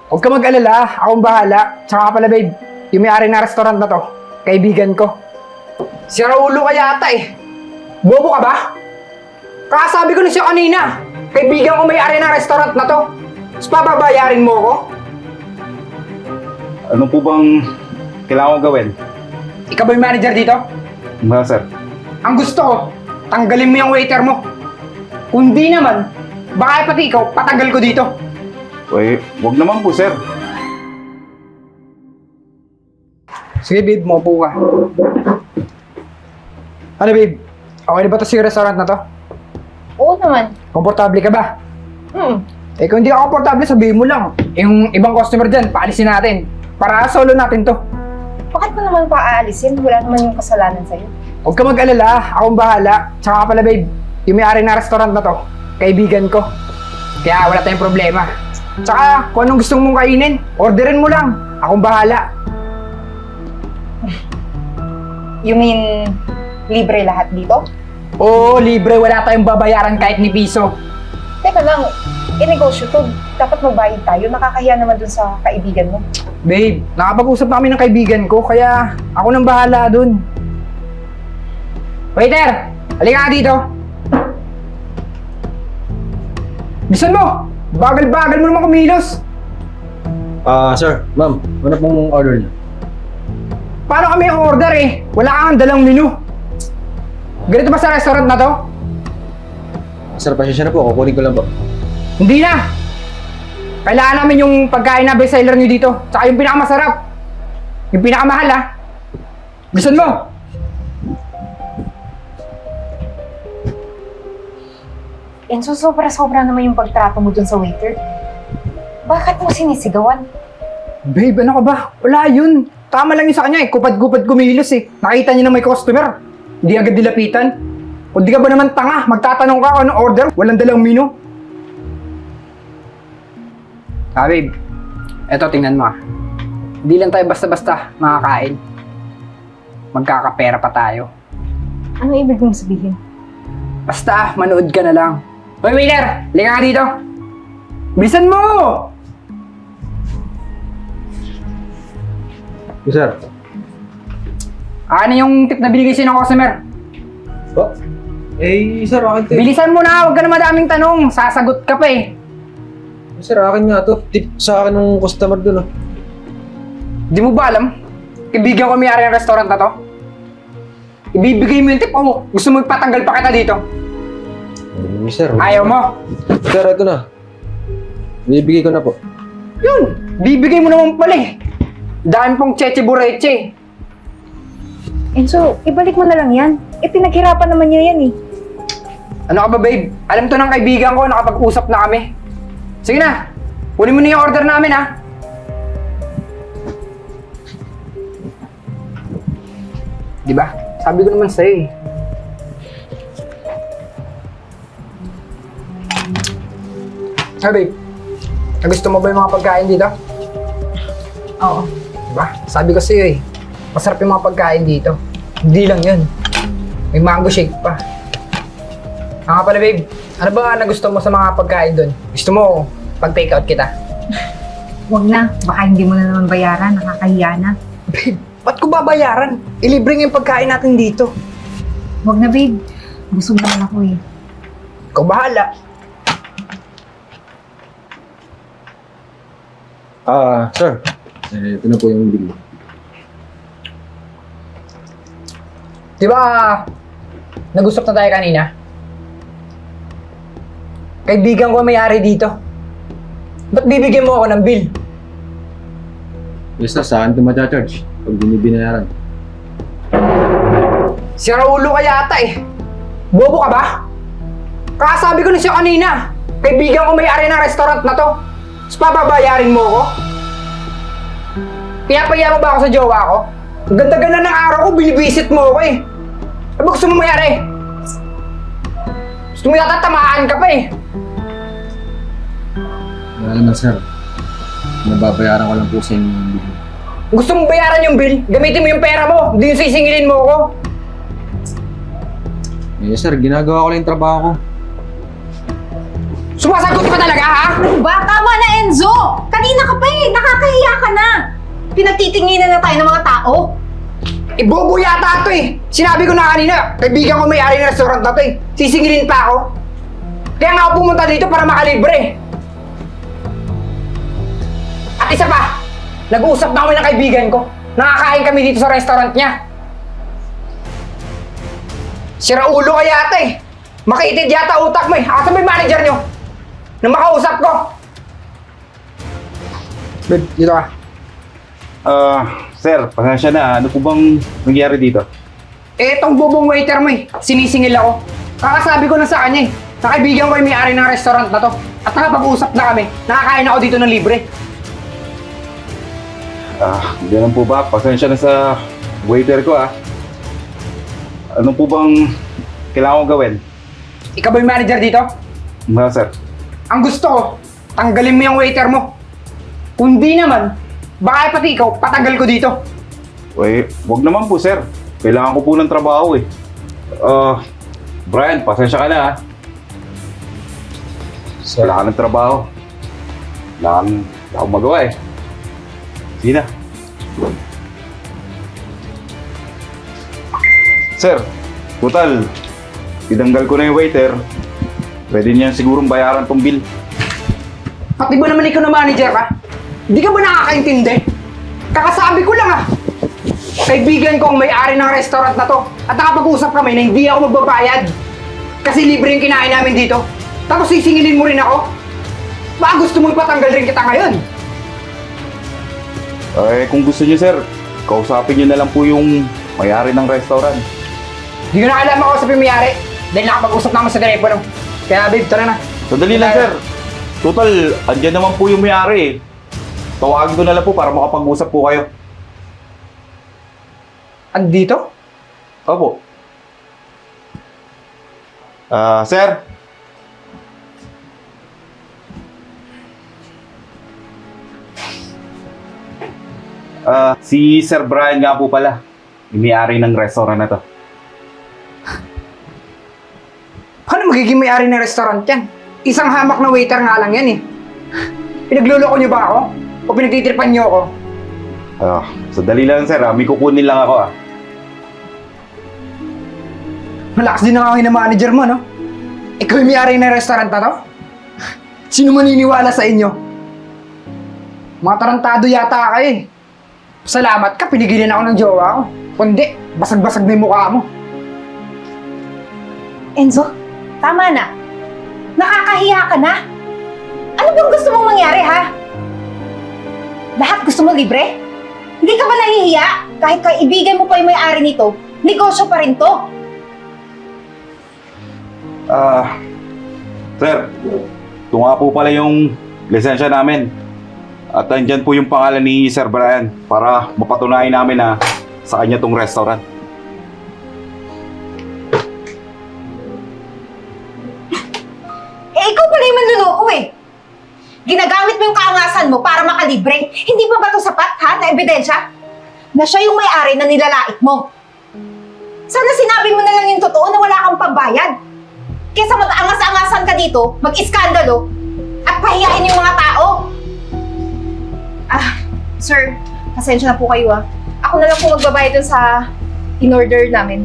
Huwag ka mag-alala, akong bahala. Tsaka pala babe, yung may-ari na restaurant na to, kaibigan ko. Si Raulo ka yata eh. Bobo ka ba? Kakasabi ko na siya kanina, kaibigan ko may-ari ng restaurant na to. Tapos papabayarin mo ako? Ano po bang kailangan ko gawin? Ikaw ba yung manager dito? Ba, sir? Ang gusto ko, tanggalin mo yung waiter mo. Kung di naman, baka pati ikaw, patagal ko dito. Uy, wag naman po, sir. Sige babe, maupo ka. Ano babe? Okay na ba ito sa restaurant na to? Oo naman. Komportable ka ba? Hmm. Kung hindi ka komportable, sabihin mo lang. Yung ibang customer dyan, paalisin natin. Para solo natin to. Bakit mo naman paaalisin? Wala naman yung kasalanan sa'yo. Huwag ka mag-alala, akong bahala. Tsaka pala babe, yung may-ari na restaurant na to, kaibigan ko. Kaya wala tayong problema. Tsaka kung anong gusto mong kainin, orderin mo lang. Akong bahala. You mean, libre lahat dito? Oo, libre. Wala tayong babayaran kahit ni piso. Teka lang, inegosyo to. Dapat magbayad tayo. Nakakahiya naman dun sa kaibigan mo. Babe, nakapag-usap namin ng kaibigan ko, kaya ako nang bahala dun. Waiter! Halika nga dito! Bisan mo! Bagal-bagal mo naman kumilos! Sir, ma'am, ano pong order niyo? Paano kami ang order eh? Wala kang dalang menu. Ganito ba sa restaurant na to? Sir, pasensya na po, kukunin ko lang po. Hindi na! Kailangan namin yung pagkain na bestseller nyo dito. Tsaka yung pinakamasarap. Yung pinakamahal ha. Bisan mo! Enzo, sobra-sobra naman yung pagtrato mo dun sa waiter. Bakit mo sinisigawan? Babe, ano ka ba? Wala yun. Tama lang yun sa kanya eh. Kupad-kupad kumilos eh. Nakita niya na may customer. Hindi agad dilapitan. O di ka ba naman tanga? Magtatanong ka kung anong order? Walang dalang menu. Babe. Eto, tingnan mo ah. Hindi lang tayo basta-basta makakain. Magkakapera pa tayo. Ano ibig mong sabihin? Basta, manood ka na lang. Hoy, waiter! Liga ka dito! Bilisan mo! Yes, sir. Ano yung tip na binigay sa'yo ng customer? Oh? Sir, akin to. Bilisan mo na! Huwag ka na madaming tanong! Sasagot ka pa eh! Sir, akin nga to. Tip sa akin ng customer dun, ah. Di mo ba alam? Kaibigan ko may-ari ng restaurant na to. Ibibigay mo yung tip o gusto mo ipatanggal pa kita dito? Sir. Ayaw mo? Sir, ito na. Bibigay ko na po. Yun! Bibigay mo naman pala eh! Dami pong cheche bureche. Enzo, ibalik mo na lang yan. Pinaghirapan naman niya yan eh. Ano ka ba babe? Alam to ng kaibigan ko, nakapag-usap na kami. Sige na! Kunin mo na yung order namin ha! Diba? Sabi ko naman sa'yo eh. Ah, babe. Gusto mo ba yung mga pagkain dito? Oo. Diba? Sabi ko sa'yo eh. Masarap yung mga pagkain dito. Hindi lang yun. May mango shake pa. Nga pala babe, ano ba nagustuhan mo sa mga pagkain doon? Gusto mo pag-take out kita? Huwag na. Baka hindi mo na naman bayaran. Nakakahiya na. Babe, ba't ko babayaran? Ilibre nga yung pagkain natin dito. Huwag na, babe. Busog naman ako eh. Ikaw bahala. Sir. Ito na po yung bill. Di ba, nag-usap na tayo kanina? Kaibigan ko ang may-ari dito. Ba't bibigyan mo ako ng bill? Yes, sir. Sa akin ito matcha-charge. Pag binibinayaran. Si Raulo ka yata eh. Bobo ka ba? Kakasabi ko na siya kanina. Kaibigan ko may-ari ng restaurant na to. Tapos papabayarin mo ako? Pinapaya mo ba ako sa jowa ko? Ang ganda-ganda ng araw ko, binibisit mo ako eh. Ano ba gusto mo mayari? Gusto mo yata tamaan ka pa eh. Wala naman, sir. Nababayaran ko lang po sa inyo yung bill. Kung gusto mong bayaran yung bill, gamitin mo yung pera mo. Hindi yung sisingilin mo ako. Sir, ginagawa ko lang yung trabaho ko. Sumasagot ka talaga, ha? Ano ba? Tama na, Enzo! Kanina ka pa eh! Pinagtitinginan na tayo ng mga tao. Bobo yata ito eh. Sinabi ko na kanina, kaibigan ko may-ari ng restaurant na to eh. Sisingilin pa ako. Kaya nga ako pumunta dito para makalibre. At isa pa, nag-uusap na kami ng kaibigan ko. Nakakain kami dito sa restaurant niya. Sira ulo ka yata eh. Makitid yata utak mo eh. Asa ba yung manager nyo? Na makausap ko. Babe, dito ka. Sir, pasensya na. Ano po bang nangyari dito? Eh, itong bubong waiter mo eh. Sinisingil ako. Kakasabi ko na sa kanya eh. Nakaibigan ko yung may-ari ng restaurant na to. At nakapag-usap na kami. Nakakain ako dito ng libre. Ganun po ba? Pasensya na sa waiter ko Ano po bang kailangan kong gawin? Ikaw ba yung manager dito? Sir. Ang gusto ko, tanggalin mo yung waiter mo. Kung di naman, baka pati ikaw, patanggal ko dito. Wag naman po, sir. Kailangan ko po ng trabaho eh. Brian, pasensya ka na Wala ka ng trabaho. Wala akong magawa eh. Sige na. Sir, total, tinanggal ko na yung waiter. Pwede niyan sigurong bayaran tong bill. Pati ba naman ikaw na manager ka? Hindi ka ba nakakaintindi? Kakasabi ko lang Kaibigan ko ang may-ari ng restaurant na to. At nakapag-usap kami na hindi ako magbabayad. Kasi libre yung kinain namin dito. Tapos sisingilin mo rin ako? Baka gusto mo ipatanggal rin kita ngayon? Kung gusto niyo sir, kausapin niyo na lang po yung may-ari ng restaurant. Hindi ko na alam ako sa may-ari. Dahil nakapag-usap naman sa telepono. Kaya babe, tara na. Sandali lang sir. Total, andyan naman po yung may-ari eh. Tawagin ko na lang po para makapag-usap po kayo. Andito? Opo. Sir? Si Sir Brian nga po pala. Yung may-ari ng restaurant na to. Paano magiging may-ari ng restaurant yan? Isang hamak na waiter nga lang yan eh. Pinagluloko niyo ba ako? O pinagtitripan niyo ako? Sandali lang sir, may kukunin lang ako Malakas din ang angin ng manager mo, no? Ikaw yung may-ari ng restaurant na to? Sino maniniwala sa inyo? Mga tarantado yata kayo eh. Salamat ka, pinigilan ako ng jowa ko. Kundi, basag-basag na yung mukha mo. Enzo, tama na. Nakakahiya ka na. Ano bang gusto mong mangyari, ha? Lahat gusto mo libre? Hindi ka ba nahihiya? Kahit kaibigan mo pa yung may-ari nito, negosyo pa rin to. Sir, ito nga po pala yung lisensya namin. At andyan po yung pangalan ni Sir Brian para mapatunayan namin na sa kanya tong restaurant. Ikaw pala yung manluloko eh. Ginagamit mo yung kaangasan mo para makalibre. Hindi pa ba ito sapat, ha, na ebidensya? Na siya yung may-ari na nilalait mo. Sana sinabi mo na lang yung totoo na wala kang pambayad. Kesa mag-angas-angasan ka dito, mag-iskandalo, at pahiyain yung mga tao. Sir, pasensya na po kayo Ako na lang po magbabayad dun sa in-order namin.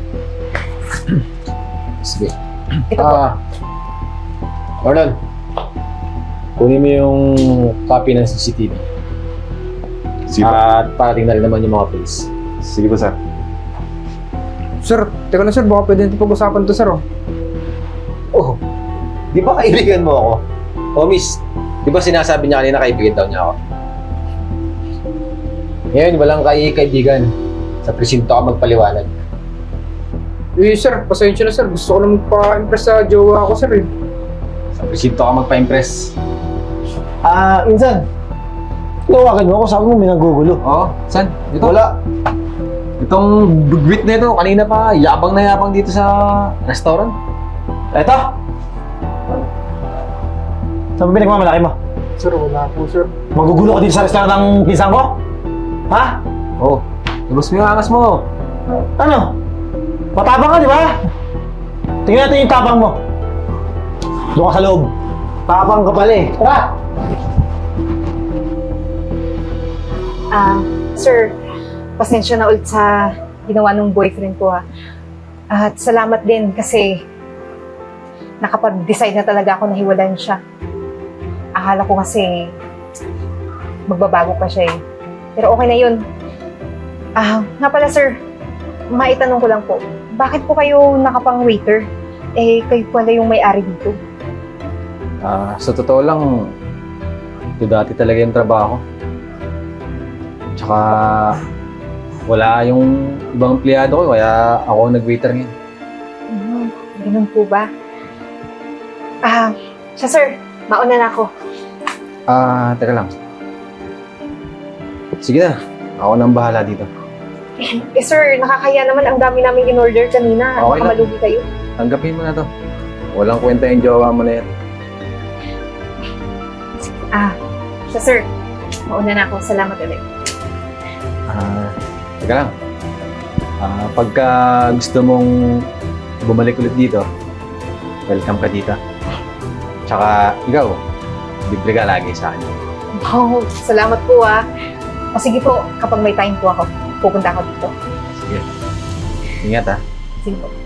Sige. Ito po. Orlon, kunin mo yung copy ng CCTV. Sige po. At parating na rin naman yung mga police. Sige po, sir. Sir, teka lang sir, baka pwede natin pag-usapan to sir Oh, di ba kaibigan mo ako? Oh, miss, di ba sinasabi niya kanina kaibigan daw niya ako? Ngayon, walang kaibigan. Sa presinto ka magpaliwanag. Eh sir, pasensya na sir. Gusto ko lang magpa-impress sa jowa ko sir eh. Sa presinto ka magpa-impress. Insan. Tawagan mo ako, sabi mo may nagugulo. Oh, saan? Ito? Wala. Itong bugwit na ito, kanina pa, yabang na yabang dito sa restaurant. Eto. Saan mo pinagmamalaki mo? Sir, wala po sir. Magugulo ka dito sa restaurant ng pinsan ko? Ha? Oh, labas mo yung angas mo. Ano? Matapang ka, di ba? Tingnan natin yung tapang mo. Doon ka sa loob. Tapang ka pala eh. Tara! Sir, pasensya na ulit sa ginawa ng boyfriend ko At salamat din kasi nakapag-decide na talaga ako na hiwalayan siya. Akala ko kasi magbabago pa siya eh. Pero okay na yun. Nga pala sir, maitanong ko lang po, bakit po kayo nakapang-waiter? Kayo pala yung may-ari dito. Sa totoo lang, ito dati talaga yung trabaho. Tsaka, wala yung ibang empleyado ko, kaya ako nag-waiter ngayon. Ganun po ba? Siya sir, mauna na ako. Teka lang. Sige na, ako nang bahala dito. Sir, nakakaya naman ang dami namin in-order kanina. Okay Baka lang. malugi kayo. Tanggapin mo na to. Walang kwenta yung jowa mo na yan. Siya sir, mauna na ako. Salamat ulit. Teka lang. Pagka gusto mong bumalik ulit dito, welcome ka dito. Tsaka, ikaw, libre ka lagi sa akin. Wow, salamat po O sige po, kapag may time po ako, pupunta ako dito. Sige. Ingat Sige po.